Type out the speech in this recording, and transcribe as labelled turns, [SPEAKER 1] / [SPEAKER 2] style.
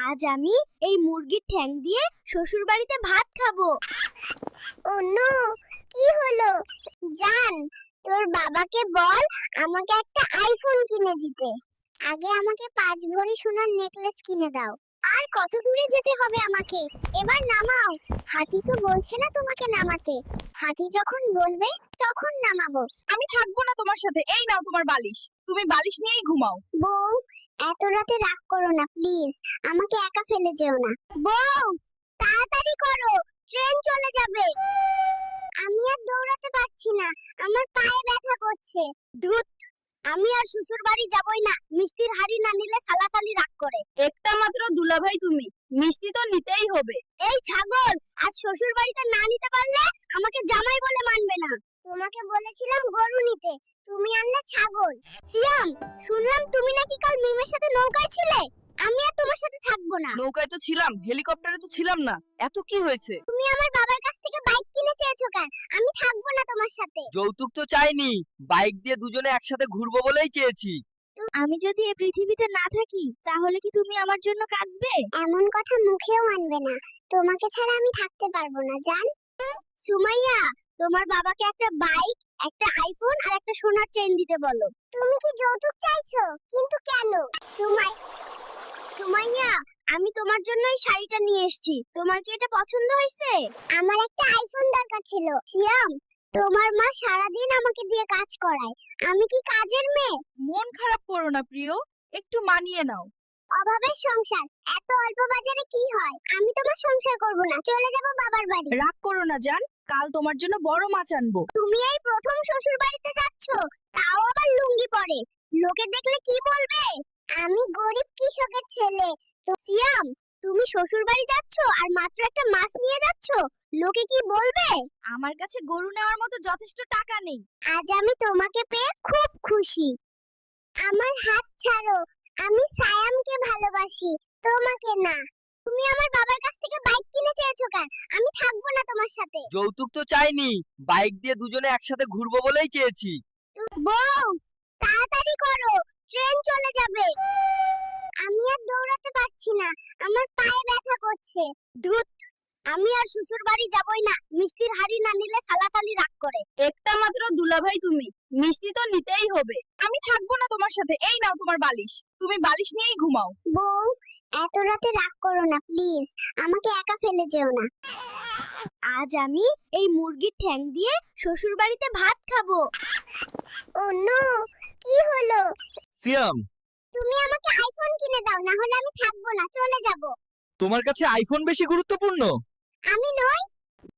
[SPEAKER 1] আজ আমি এই মুরগির ঠ্যাং দিয়ে শ্বশুর বাড়িতে ভাত খাবো।
[SPEAKER 2] ও নো, কি হলো? জান, তোর বাবাকে বল আমাকে একটা আইফোন কিনে দিতে। আগে আমাকে 5 ভরি সোনার নেকলেস কিনে দাও। আর কত দূরে যেতে হবে আমাকে? এবার নামাও। হাতি তো বলছে না তোমাকে নামাতে। হাতি যখন বলবে তখন নামাবো।
[SPEAKER 3] আমি থাকবো না তোমার সাথে। এই নাও তোমার বালিশ, তুমি বালিশ নিয়েই ঘুমাও।
[SPEAKER 2] বউ, এত রাতে রাগ করো না প্লিজ। আমাকে একা ফেলে যেও না। বউ, তাড়াতাড়ি করো, ট্রেন চলে যাবে। আমি আর দৌড়াতে পারছি না, আমার পায়ে ব্যথা করছে। ধুত, আমি আর শ্বশুর বাড়ি যাবই না। মিষ্টির হাড়ি না নিলে সালাসালি রাগ করে।
[SPEAKER 3] একটা মাত্র দুলাভাই তুমি, মিষ্টি তো নিতেই হবে।
[SPEAKER 2] এই ছাগল, আজ শ্বশুর বাড়িতে না নিতে পারলে আমাকে জামাই বলে মানবে না। তোমাকে বলেছিলাম গরু নিতে, তুমি আনলে ছাগল। সিয়াম, শুনলাম তুমি নাকি কাল মিমের সাথে নৌকায় ছিলে। আমি আর তোমার সাথে থাকবো না।
[SPEAKER 3] নৌকায় তো ছিলাম, হেলিকপ্টারে তো ছিলাম না। এত কি হয়েছে?
[SPEAKER 2] তুমি আমার বাবার কাছ থেকে বাইক কিনে চেয়েছো কেন? আমি থাকবো না তোমার সাথে।
[SPEAKER 4] যৌতুক তো চাইনি, বাইক দিয়ে দুজনে একসাথে ঘুরবো বলেই চেয়েছি।
[SPEAKER 1] আমি যদি এই পৃথিবীতে না থাকি তাহলে কি তুমি আমার জন্য কাঁদবে?
[SPEAKER 2] এমন কথা মুখেও আনবে না। তোমাকে ছাড়া আমি থাকতে পারবো না জান। সুমাইয়া, তোমার বাবাকে একটা বাইক, একটা আইফোন আর একটা সোনার চেইন দিতে বলো। তুমি কি যৌতুক চাইছো? কিন্তু কেন? সুমাইয়া, আমি তোমার জন্য এই শাড়িটা নিয়ে এসেছি। তোমার কি এটা পছন্দ হয়েছে? আমার একটা আইফোন দরকার ছিল। সিয়াম, তোমার মা সারাদিন আমাকে দিয়ে কাজ করায়। আমি কি কাজের মেয়ে?
[SPEAKER 3] মন খারাপ করো না প্রিয়, একটু মানিয়ে নাও।
[SPEAKER 2] অভাবের সংসার, এত অল্প বাজারে কি হয়? আমি তোমার সংসার করব না, চলে যাব বাবার বাড়ি।
[SPEAKER 3] রাগ করো না জান, কাল তোমার জন্য বড় মাছ আনবো।
[SPEAKER 2] তুমি এই প্রথম শ্বশুর বাড়িতে যাচ্ছ, তাও আবার লুঙ্গি পরে। লোকে দেখলে কি বলবে? আমি গরিব কৃষকের ছেলে। তো সিয়াম, তুমি শ্বশুর বাড়ি যাচ্ছ আর মাত্র একটা মাছ নিয়ে যাচ্ছ, লোকে কি বলবে?
[SPEAKER 1] আমার কাছে গরু নেওয়ার মতো যথেষ্ট টাকা নেই।
[SPEAKER 2] আজ আমি তোমাকে পেয়ে খুব খুশি। আমার হাত ছাড়ো, আমি সায়ামকে ভালোবাসি, তোমাকে না। তুমি আমার বাবার কাছ থেকে বাইক কিনে চেয়েছো কেন? আমি থাকবো না তোমার সাথে।
[SPEAKER 4] যৌতুক তো চাইনি, বাইক দিয়ে দুজনে একসাথে ঘুরবো বলেই চেয়েছি।
[SPEAKER 2] বউ, তাড়াতাড়ি করো, ট্রেন চলে যাবে। আমি আর দৌড়াতে পারছি না, আমার পায়ে ব্যথা করছে। ধুত, আমি আর শ্বশুর বাড়ি যাবই না। মিষ্টির হাড়ি না নিলে সালাসালি রাগ করে।
[SPEAKER 3] একটা মাত্র দুলাভাই তুমি, মিষ্টি তো নিতেই হবে। আমি থাকবো না তোমার সাথে। এই নাও তোমার বালিশ, তুমি বালিশ নিয়েই ঘুমাও।
[SPEAKER 2] বউ, এত রাতে রাগ করো না প্লিজ। আমাকে একা ফেলে যেও না।
[SPEAKER 1] আজ আমি এই মুরগির ঠ্যাং দিয়ে শ্বশুর বাড়িতে ভাত খাবো।
[SPEAKER 2] ও নো, কি হলো?
[SPEAKER 4] সিয়াম,
[SPEAKER 2] তুমি আমাকে আইফোন কিনে দাও, না হলে আমি থাকবো না, চলে যাব।
[SPEAKER 4] তোমার কাছে আইফোন বেশি গুরুত্বপূর্ণ?
[SPEAKER 2] আমি নই,